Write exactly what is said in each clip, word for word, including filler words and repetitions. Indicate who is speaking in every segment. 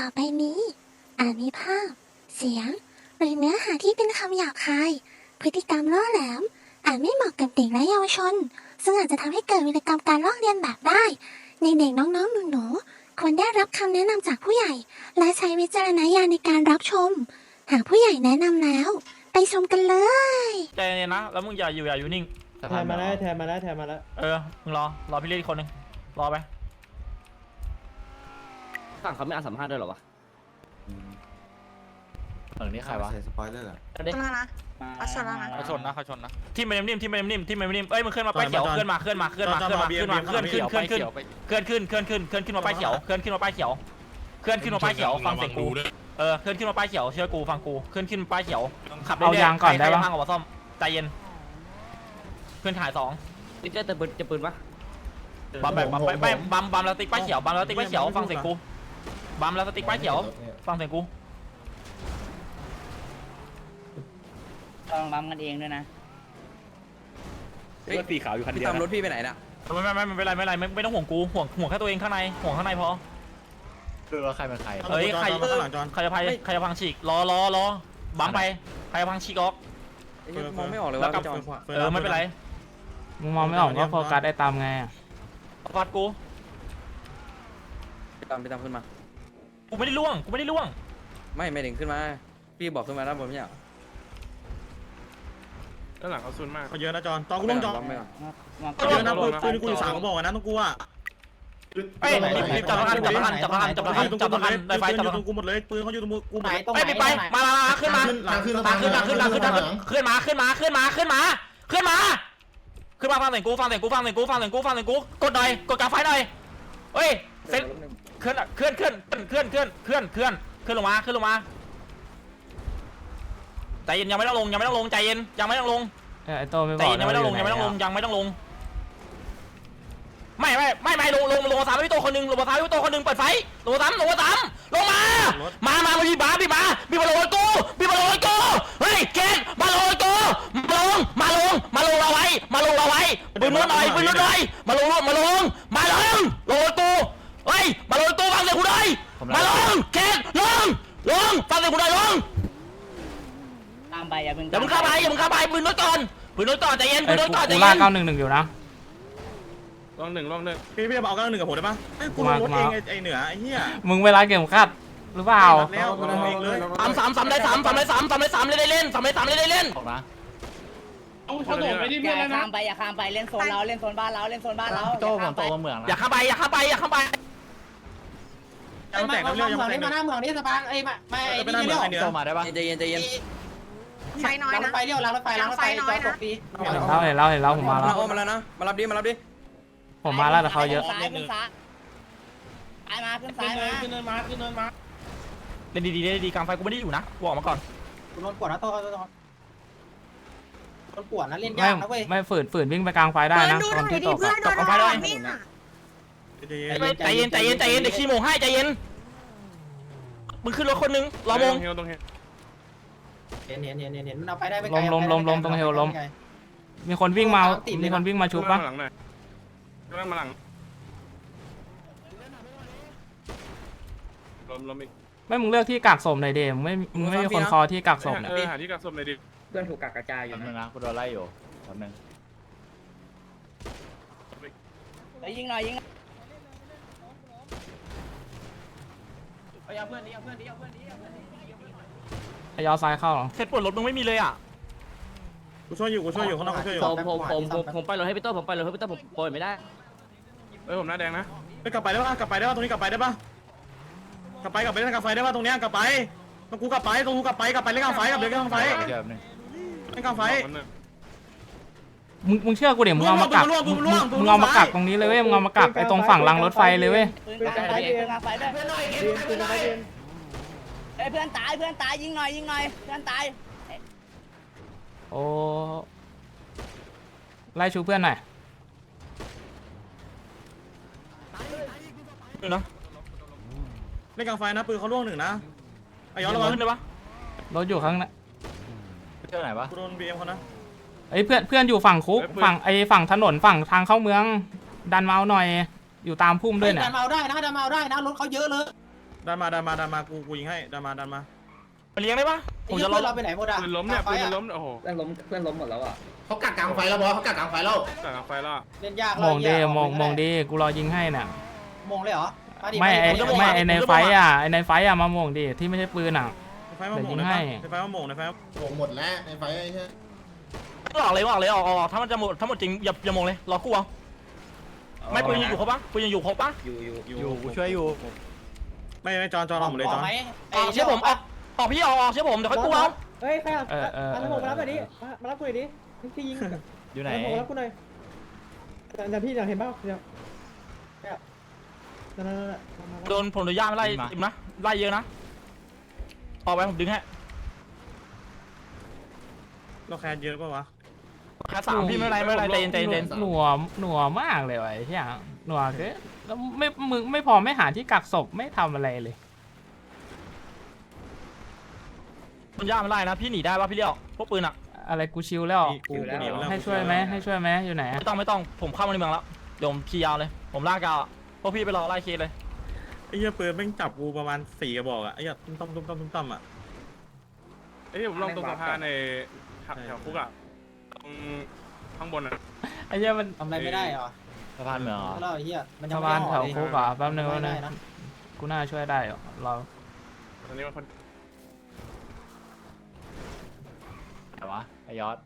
Speaker 1: ต่อไปนี้อาจมีภาพ เสียง หรือเนื้อหาที่เป็นคำหยาบคาย พฤติกรรมล่อแหลม อาจไม่เหมาะกับเด็กและเยาวชน ซึ่งอาจจะทำให้เกิดวิกรรมการลอกเลียนแบบได้ ในเด็กน้องๆหนูๆควรได้รับคำแนะนำจากผู้ใหญ่ และใช้วิจารณญาณในการรับชม หากผู้ใหญ่แนะนำแล้ว ไปชมกันเลย
Speaker 2: ใจเย็นนะ แล้วมึงอย่าอยู่อย่าอยู่นิ่ง
Speaker 3: แทนมาแล้วแทนมาแล้วแทนมาแล้ว
Speaker 2: เออ มึงรอ รอพี่เรียกอีกคนหนึ่งรอไป
Speaker 4: ข้างเขาไม่อาสัมภาษณ์ด้วยหรอวะ
Speaker 5: เออนี่ใครวะ
Speaker 6: ใส่สปอยเลอร์
Speaker 4: เอาดิ
Speaker 7: ชนแล้วนะเขาชนแล้วนะ
Speaker 2: เขาชนนะเขาชนนะ ที่มันนิ่มๆที่มันนิ่มๆที่มันนิ่มเอ้ย มึงเคลื่อนมาป้ายเขียว เคลื่อนมา เคลื่อนมา เคลื่อนมา เคลื่อนมา เคลื่อนมา เคลื่อนขึ้น เคลื่อนขึ้น เคลื่อนขึ้น เคลื่อนขึ้น เคลื่อนขึ้นมาป้ายเขียว เคลื่อนขึ้นมาป้ายเขียว เคลื่อนขึ้นมาป้ายเขียว ฟังเสียงกู เออ เคลื่อนขึ้นมาป้ายเขียว เชื่อกู ฟังกู เคลื่อนขึ้นป้ายเขียว ขับเรื่อยๆ
Speaker 5: เอายางก่อนได้ปะ
Speaker 2: ใครพังออกมาซ่อม ใจเย็น เพื่อนถ่ายสอง
Speaker 4: นี่เจะจะปืนจะปืนปะ
Speaker 2: บัมแบบบัมไม่บัมบัมแล้วติ๊กป้ายเขียว บัมแล้วติ๊กป้ายเขียว ฟังเสียงกู บัมแล้วติ๊กป้ายเขียว ฟังเสียงกู
Speaker 8: ต้องบัมกันเองด้วยนะ
Speaker 4: รถสีขาวอยู่คันเดียวตามรถพี่ไปไหนน่ะ
Speaker 2: ไม่ไม่ไม่ไม่เป็นไรไม่เป็นไรไม่ไม่ต้องห่วงกูห่วงห่วงแค่ตัวเองข้างในห่วงข้างในพอ
Speaker 5: คือว่าใครเป็นใคร
Speaker 2: เฮ้ยใครใครจะพายใครจะพังฉีกรอรอรอบัมไปใครจะพังฉีกออก
Speaker 4: ไอ้เหี้ยมองไม่ออกเลย
Speaker 2: แล้ว
Speaker 4: ว่าก
Speaker 2: ลับ
Speaker 4: จอน
Speaker 2: เออไม่เป็นไร
Speaker 5: มึงมองไม่ออกก็โฟกัสได้ตามไงอะ
Speaker 2: ฟัดกู
Speaker 4: ไปตามไปตามขึ้นมา
Speaker 2: กูไม่ได้ล่วงกูไม่ได้ล่วง
Speaker 4: ไม่ไม่ถึงขึ้นมา พี่บอกขึ้นมาแล้วผมไม่อยาก
Speaker 3: ด้านหลังเขาซุนมาก
Speaker 6: เขาเยอะนะจอนตอนกูลงจอน
Speaker 4: ไม่เอา
Speaker 6: เขาเยอะนะปืนปืนกูอยู่สามกระบอกนะต้องกูอ่ะ
Speaker 2: เอ้ยรีบจับประกันจับประกันจับประกันจับประกันจับประกันได้ไฟจับ
Speaker 6: อยู่
Speaker 2: ประ
Speaker 6: ต
Speaker 2: กั
Speaker 6: ร
Speaker 2: น
Speaker 6: งกูหมดเลยปืนเขาอยู่ตรงกูหมดเลย
Speaker 2: เอ้ยไปมามาขึ้นมา
Speaker 6: หลังขึ้น
Speaker 2: มาขึ้นมาขึ้นมาขึ้นมาขึ้นมาขึ้นมาขึ้นมาขึ้นมาขึ้นมาขึ้นมาฟังเสียงกูฟังเสียงกูฟังเสียงกูฟังเสียงกูฟังเสียงกูกดหน่อยกดกลางไฟหน่อยเฮ้ยเซ็ตเคลื่อนเคลื่อนเคลื่อนเคลื่อนเคลื่อนเคลื่อนเคลื่อนเคลื่อนลงมาเคลื่อนลงมาใจเย็นยังไม่ต้องลงยังไม่ต้องลงใจเย็นยังไม่ต้องลง
Speaker 5: เอ้ยไอโตไม่บ
Speaker 2: ใจ
Speaker 5: อก
Speaker 2: เย็นยังไม่ต้องลงยังไม่ต้องลงยังไม่ต้องลงไม่ไม่ไม่ไม่ลงลงลงมาสามพี่โตคนหนึ่งลงมาสามพี่โตคนหนึ่งเปิดไฟลงมาสามลงมาสามลงมามามามาพี่บ้าพี่มาพี่มาลงกูพี่มาลงกูเฮ้ยเกณฑ์มาลงกูมาลงมาลงมาลงเราไว้มาลงเราไว้ปืนนู้นหน่อยปืนนู้นหน่อยมาลงมาลงมาลงลงกูเฮ้ยมาลงกูฟังเสียงกูหน่อยมาลงเกณฑ์ลงลงฟังเสียงกูหน่อยลง
Speaker 8: ตามไปอย่าเพิ่ง
Speaker 2: อย่ามึงเข้าไปอย่ามึงเข้าไปปืนนู้นก่อนปืนนู้นก่อนใจเย็นปื
Speaker 5: ไอ้
Speaker 2: นนู้นก่อนใจ
Speaker 5: กู
Speaker 2: เย็
Speaker 5: ลากเก้าน หนึ่งหนึ่งอยู่นะ
Speaker 3: ลองหนึ่งลองหนึ่ง
Speaker 6: พี่พี่เอาก้าวหนึ่งกับผมได้ปะไอ้กูรถเองไอ้เหนือไอ้เหี้ย
Speaker 5: มึงเวลาเก็บขัดหรือเปล่า
Speaker 6: แล้วกูลงเองเลย
Speaker 2: สามสามสามได้สามสามได้สามสามได้สามเล่นได้เล่นสามได้สามเล่นได้เล่น
Speaker 5: ออกนะ
Speaker 3: เขาโดดไปที่
Speaker 8: อ
Speaker 3: เพื่อน
Speaker 8: ย่า
Speaker 3: แล้วนะ
Speaker 8: ข้ามไปอย่าข้ามไปเล่นโซนเราเล่นโซนบ้านเราเล่นโซนบ้านเรา
Speaker 5: โต
Speaker 8: อย่า
Speaker 5: ผ
Speaker 8: ข้าม ม
Speaker 5: โต
Speaker 8: ไป
Speaker 5: มาเมือง
Speaker 2: อย่าเข้าไปอย่าเข้าไปอย่าเข้าไป
Speaker 6: ยังแตกน้ำเลี้ยวยังแตก
Speaker 9: มาหน้าเมืองนี่สปางเอ้ยมาไม่
Speaker 6: ไปนั่งเหนือไอ้เหนือ
Speaker 5: โตมาได้ปะ
Speaker 4: ใจเย็นใจเย็น
Speaker 7: ไฟน้อย
Speaker 9: ล้างร
Speaker 7: นะ
Speaker 9: ถไฟเลี้ยวล้างรถไฟล้างรถไฟจอดตกปี
Speaker 5: เห็นแล้วเห็นแล้วเห็นแล้วผมมา
Speaker 4: มา
Speaker 5: แล้ว
Speaker 4: โอ้มาแล้วนะมารับดิมารับดิ
Speaker 5: ผมมาแล้วแต่เขาเยอะ
Speaker 8: ซ้ายขึ้นซ้ายซ้ายมาขึ้นซ้ายมา
Speaker 9: ขึ้นเนินมาขึ้นเนินมา
Speaker 2: เล่นดีๆเล่นดีๆกลางไฟกูไม่ได้อยู่นะกูออกมาก่อน
Speaker 9: กูโดนปวดนะโตโดนปวดนะเล่น
Speaker 5: ไม่
Speaker 9: ยากนะเว้ย
Speaker 5: ไม่ฝืนฝืนวิ่งไปกลางไฟได้นะ
Speaker 7: ดู
Speaker 5: ต
Speaker 7: ห
Speaker 5: อ
Speaker 7: น่
Speaker 5: น
Speaker 7: อย
Speaker 5: ที่
Speaker 7: ดิ
Speaker 5: ตก
Speaker 7: เพื่อ
Speaker 5: อะ
Speaker 7: นโดนอะไรเนี่ย
Speaker 2: ใจเย็นใจเย็นใจเย็นเดี๋ยวขี้โมงให้ใจเย็นมึงขึ้นรถคนนึงรอมง
Speaker 3: เฮลตรงเฮล
Speaker 9: เห็นเห็นเห็นเห็นมันเอาไปได้
Speaker 5: มีคนวิ่งมามีคนวิ่งมาชุบปะ
Speaker 3: หลังหน่อยนั่งมาหลังล้มล้มอีก
Speaker 5: ไม่มึงเลือกที่กักศพหน่อยเดมงไม่มึงไม่มีคนคอที่กักศพเนี่ย
Speaker 3: เออหาที่กักศพหน่อยดิ
Speaker 4: เพื่อนถูกกักกระจายอยู่
Speaker 5: แป๊บนึงนะกูโดนไล่อยู่แป๊บนึง
Speaker 8: ไปยิงหน่อยยิง
Speaker 9: เอาเพื่อนนี้เอาเพื่อนนี้เอาเพื่อนนี้
Speaker 5: ไอยอซ้ายเข้าเหรอ
Speaker 2: เซตปวดรถมึงไม่มีเลยอ่ะ
Speaker 6: กูช่วยอยู่กูช่วยอยู่ข้างนอกกูช่วยอยู่
Speaker 4: ผมผมผมผมผมไปรถให้พี่โต้ผมไปรถให้พี่โต้ผมโปรยไม่ได้
Speaker 3: เอ้ยผมหน้าแดงนะ
Speaker 6: ไปกลับไปได้ปะกลับไปได้ปะตรงนี้กลับไปได้ปะกลับไปกลับไปเล่นกลางไฟได้ปะตรงเนี้ยกลับไปตรงกูกลับไปตรงกูกลับไปกลับไปเล่นกลางไฟกลับไปเล่นกลางไฟ
Speaker 5: เดี๋ยวแป๊บนึง
Speaker 6: เล่นกลางไฟ
Speaker 5: มึงมึงเชื่อกูเดี๋ยวมึงเอามากัก
Speaker 6: ร่วง
Speaker 5: มึ
Speaker 6: ร่
Speaker 5: ง
Speaker 6: วงร่วง
Speaker 5: มึงเอามากักตรงนี้เลยเว้ยมึงเอามากักไอตรงฝั่งรางรถไฟเลยเว้ย
Speaker 8: ปืนกลางไฟปืนกลางไฟด้วยเฮ้ยเพื่อนตายเพื่อนตายยิงหน่อยยิงหน่อยเพื่อนตาย
Speaker 5: โอ้ไล่ชูเพื่อนหน่อย
Speaker 2: เนาะ
Speaker 6: เล่นกลางไฟนะปืนเขาล่วงหนึ่งนะไอ้ย้อนระวัง
Speaker 2: ขึ้นได้ปะ
Speaker 5: รถอยู่ข้างหน้า
Speaker 6: เที่ยวไหนวะกูโดนบีเอ็มเขานะ
Speaker 5: ไอยเพื่อนเพื่อนอยู่ฝั่งคุกฝั่งไอฝั่งถนนฝั่งทางเข้าเมือง ดันเมาส์หน่อยอยู่ตามพุ่มด้วยเนี่ย
Speaker 9: ดันเมาได้นะดันเมาได้นะรถเขาเยอะเลย
Speaker 6: ดันมาดันมาดันมากูกูยิงให้ดันมาดันมา
Speaker 2: มาเลี้ยงได้ปะผมจะร
Speaker 8: เพื่
Speaker 2: อ
Speaker 8: อนเราไปไหนหมดอ่ะ
Speaker 3: ปืนล้มเนี่ยปืนมันล้มโอ้โห
Speaker 4: เพื่อนล้มเพื่อนล้มหมดแล้วอ่ะ
Speaker 9: เขากักกลางไฟแล้วบอสเขากักกลางไฟแล้ว
Speaker 3: แต่ไฟล่ะ
Speaker 8: เล่นยาก
Speaker 5: มองดีมองมองดีกูรอยิงให้น่ะ
Speaker 8: มองเลยเหรอดิ
Speaker 5: ไม่ไอ
Speaker 8: ดิ
Speaker 5: ไม่ไอในไฟอ่ะไอในไฟอ่ะมามองดีที่ไม่ใช่ปืนอ่ะ
Speaker 6: ในไฟมาหม่ง
Speaker 5: เดี๋ยวยิงให้
Speaker 6: ในไฟมาหม่งในไฟ
Speaker 9: โอ้หมดแล้วในไฟใช่
Speaker 2: ไม่ออกเลยออกเลยออกออกถ้ามันจะหมดถ้าหมดจริงอย่าอย่ามองเลยรอกูเอาไม่ปืนยังอยู่ครบปะปืนยังอยู่ครบปะ
Speaker 4: อยู่อยู่
Speaker 6: อยู่กูช่วยอยู่ไม่ไม่จอนจอนออกหมดเลยจอน
Speaker 8: ไหม
Speaker 2: ออกเชื่อผมออกออกพี่ออกออกเชื่อผมเดี๋ยวค่อยกูเอา
Speaker 10: เฮ้ยใครอ่ะ
Speaker 5: เออเออ
Speaker 10: มารับผมมารับหน่อยดิมามารับกูหน่อยดิพี่ยิง
Speaker 5: อยู่ไหน
Speaker 10: มารับกูหน่อยแต่แต่พี่อยากเห็นเปล่าเดี๋ยวเนี่ยนั่นนั่นนั่นมามา
Speaker 2: โดนผมโดนย่าไม่ไล่อิ่มนะไล่เยอะนะออกไปผมดึงให้
Speaker 6: เราแคสเยอะป่าวะ
Speaker 2: แค่สามพี่ไม่เป็นไรไม่เป็นไรใจเย็นใจเย็น
Speaker 5: หนัวหนัวมากเลยว่ะไอ้เหี้ยหนัวคือแล้วไม่มึงไม่พอไม่หาที่กักศพไม่ทำอะไรเลย
Speaker 2: มันย่าไม่ไล่นะพี่หนีได้ปะพี่เลี้ยวพวกปืนอะ
Speaker 5: อะไรกูชิวแล้ว
Speaker 6: กูกูหนีมาแล้ว
Speaker 5: ให้ช่วยไหมให้ช่วยไหมอยู่ไหน
Speaker 2: ไม่ต้องไม่ต้องผมเข้ามาในเมืองแล้วเดี๋ยวผมขี่ยาวเลยผมลากยาวพวกพี่ไปรอไล่เคสเลย
Speaker 6: ไอ้เหี้ยปืนแม่งจับกูประมาณสี่กระบอกอะไอ้เหี้ยตุ้มต้มตุ้มต้มตุ้มต้มอะ
Speaker 3: เอ้ยผมลองตรงสะพานในแถวคุกอ่ะตรงข้างบนอ่ะ
Speaker 5: ไอ้เหี้ยมัน
Speaker 8: ทำอะไรไม่ได้เหรอ
Speaker 5: สะพานเหมืองเหรอ
Speaker 8: เราไอ้เหี้ยมันยัง
Speaker 5: สะ
Speaker 8: ไม่
Speaker 5: พาน
Speaker 8: อ
Speaker 5: แถ
Speaker 8: อก
Speaker 5: ว
Speaker 8: เลย
Speaker 5: คุกเหรอแป๊บนึง
Speaker 8: ไม่
Speaker 5: แป๊บนึ
Speaker 8: ได้
Speaker 5: ง
Speaker 8: นะ
Speaker 5: กูน่าช่วยได้เหรอเรา
Speaker 3: ตอนนี้มันคน
Speaker 5: ไหนวะไอยอด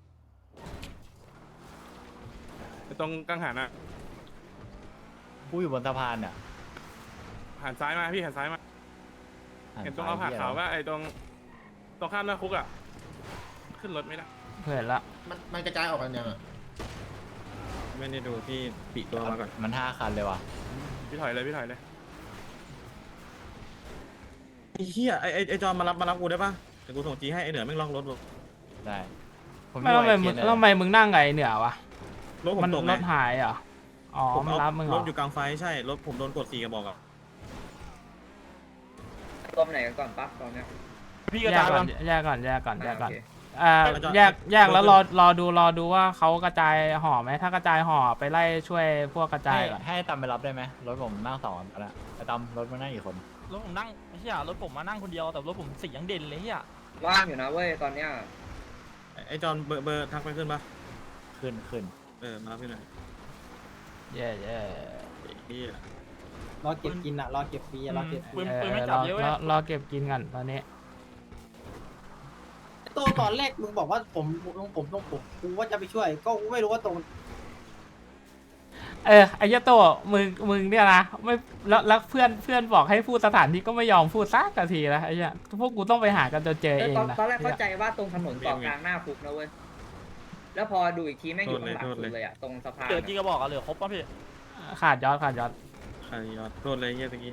Speaker 3: ตรงกังหันอ่ะ
Speaker 5: กูอยู่บนสะพานเนี่ย
Speaker 3: หันซ้ายมาพี่หันซ้ายมาเห็นตรงเอาผ่าขาวว่าไอ้ตรงตรงข้ามหน้าคุกอ่ะขึ้นรถไม่ได้
Speaker 5: เพื่อนละ
Speaker 9: มันมันกระจายออกกันยังอ่ะ
Speaker 6: ไม่ได้ดูที่ปีกตัวมาก่อน
Speaker 5: มันห้าคันเลยว่ะ
Speaker 3: พี่ถอยเลยพี่ถอยเลย
Speaker 6: ไอ้เหี้ยไอ้ไอ้ไอ้จอนมารับมารับกูได้ปะเดี๋ยวกูส่งจีให้ไอ้เหนือแม่งล็อกรถกู
Speaker 5: ได้ไม่แล้วทำไมมึงแล้วทำไมมึงนั่งไงเหนือวะ
Speaker 6: รถผม
Speaker 5: มัน
Speaker 6: ตก
Speaker 5: ร
Speaker 6: ไง
Speaker 5: ถหายเหรออ๋อ
Speaker 6: ผม
Speaker 5: มัน
Speaker 6: เอา
Speaker 5: รับมึงเหร
Speaker 6: ร
Speaker 5: อ
Speaker 6: ถอยู่กลางไฟใช่รถผมโดนกดสี่กระบอกอะ
Speaker 4: ตัวไหนกันก่อนปั๊บตอนเนี้ย
Speaker 2: พี่กระ
Speaker 5: แย
Speaker 2: จาก ย
Speaker 5: ก่
Speaker 2: กั
Speaker 5: อน นแยกก่อนแยกก่อนแยกก่อน
Speaker 4: โอเค
Speaker 5: อ่าแยกแยกแล้วรอรอดูรอดูว่าเขากระจายห่อไหมถ้ากระจายห่อไปไล่ช่วยพวกกระจายก่อน
Speaker 11: ให้ตามไปรับได้ไหมรถผมนั่งสองคนแล้วไอ้ตามรถมันนั่งกี่คน
Speaker 2: รถผมนั่งเฮียรถผมมานั่งคนเดียวแต่รถผมสียังเด่นเลยเฮีย
Speaker 4: ว่างอยู่นะเว้ยตอนเนี้ย
Speaker 6: ไอ้ไอ้จอนเบอร์เบอร์ทักไปขึ้นปะ
Speaker 11: ขึ้นขึ้น
Speaker 6: เออมารับพี่หน่อย
Speaker 5: แย่แย่
Speaker 6: ไอ้เหี้ย
Speaker 8: รอเก็บกินอ่ะรอเก็บฟรีอะรอเก็บฟรี
Speaker 2: ปืน
Speaker 5: เอ
Speaker 2: ปืน
Speaker 5: อ
Speaker 2: ไม่
Speaker 5: ร
Speaker 2: จับ
Speaker 5: อ
Speaker 2: เยอะเว้
Speaker 5: ร
Speaker 2: ย
Speaker 5: อรอเก็บกินกันตอนนี้
Speaker 8: ตัวตอนแรกมึงบอกว่าผมลงผมลงผมกูว่าจะไปช่วย ก็กูไม่รู้ว่าตรง
Speaker 5: เออไอ้เหี้ยโตมึงมึงเนี่ยนะไม่แล้วแล้วเพื่อนเพื่อนบอกให้พูดสถานที่ก็ไม่ยอมพูดสักทีนะไอ้เหี้ยพวกกูต้องไปหากันจนเจอเอง
Speaker 4: ตอน
Speaker 5: นะ
Speaker 4: ตอนแรกเข้าใจว่าตรงถนนเกาะกลางหน้าคุกนะเว้ยแล้วพอดูอีกทีแม่งอยู่ข้างหลังสุดเลยอ่ะตรงสะพาน
Speaker 2: เหลือกี่กระบอกอะเหลือครบป่ะพี่
Speaker 5: ขาดยอดขาดยอด
Speaker 6: ใครยอดโดนเลยเหี้ยตะกี้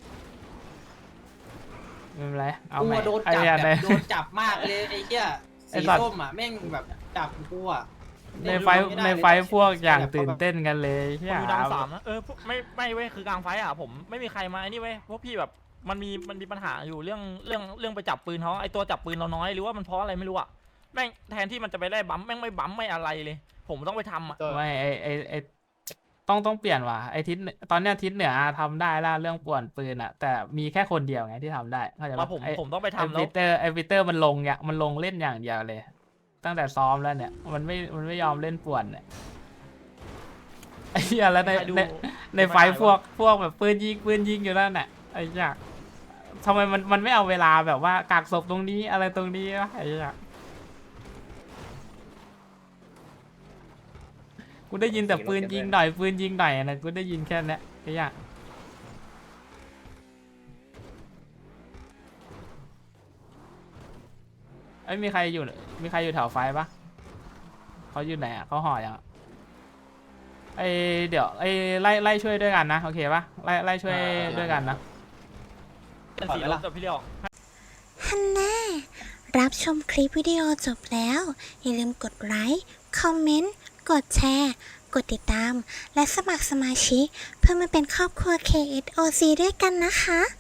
Speaker 5: ไม่เป็นไรเอา
Speaker 8: กู
Speaker 5: ใหม่
Speaker 8: อะโดน
Speaker 5: ไอ้
Speaker 8: จับ
Speaker 5: เหี้ย
Speaker 8: แบ
Speaker 5: ใน
Speaker 8: บโดนจับมากเลยไอ้เหี้ย
Speaker 5: ไอ้
Speaker 8: สี
Speaker 5: สัตว์
Speaker 8: ส้มอ่ะแม่งแบบจับกูอ่ะ
Speaker 5: ในไฟในไฟพวกอย่างตื่นเต้นกันเลย
Speaker 2: ผม
Speaker 5: เหี้ย
Speaker 2: อยู่ดังสามนะเออพวกไม่ไม่เว้ยคือกลางไฟอะผมไม่มีใครมาไอ้นี่เว้ยพวกพี่แบบมันมีมันมีปัญหาอยู่เรื่องเรื่องเรื่องไปจับปืนเขาไอตัวจับปืนเราน้อยหรือว่ามันเพราะอะไรไม่รู้อะแม่งแทนที่มันจะไปไล่บัมแม่งไม่บัมไม่อะไรเลย ผมต้องไปทำอะ
Speaker 5: ไม่ไอไอไอต้องต้องเปลี่ยนว่ะไอทิศตอนเนี้ยทิศเหนือทำได้แล้วเรื่องป่วนปืนอะแต่มีแค่คนเดียวไงที่ทำได้เข้าใจ
Speaker 2: มา
Speaker 5: ปะ
Speaker 2: ผม
Speaker 5: ไอ
Speaker 2: ผมต้องไป
Speaker 5: ไอ
Speaker 2: ทำแล้
Speaker 5: วิ
Speaker 2: ว
Speaker 5: เตอร์ไอวิเตอร์มันลงอย่างมันลงเล่นอย่างเดียวเลย ตั้งแต่ซ้อมแล้วเนี่ยมันไม่มันไม่ยอมเล่นป่วนเนี่ยไอ้เหี้ยแล้วใน
Speaker 2: ใครดู
Speaker 5: ในในไฟพวกพวกแบบปืนยิงปืนยิงอยู่นั่นน่ะไอ้เหี้ยทำไมมันมันไม่เอาเวลาแบบว่ากักศพตรงนี้อะไรตรงนี้วะไอ้เหี้ยกูได้ยินแต่ปืนยิงหน่อยปืนยิงหน่อยนะกูได้ยินแค่นั้นไอ้เหี้ยไอ้ยมีใครอยู่มีใครอยู่แถวไฟปะเขาอยู่ไหนอ่ะเขาห่อยังอะไอเดี๋ยวไอไล่ไล่ช่วยด้วยกันนะโอเคปะไล่ไล่ช่วยด้วยกันนะ
Speaker 2: เป็นสีรถกับพี่เลี้ยว
Speaker 1: ฮันน่ารับชมคลิปวิดีโอจบแล้ว อย่าลืมกดไลค์ คอมเมนต์ กดแชร์ กดติดตาม และสมัครสมาชิกเพื่อมาเป็นครอบครัว เค เอส โอ ซี ด้วยกันนะคะ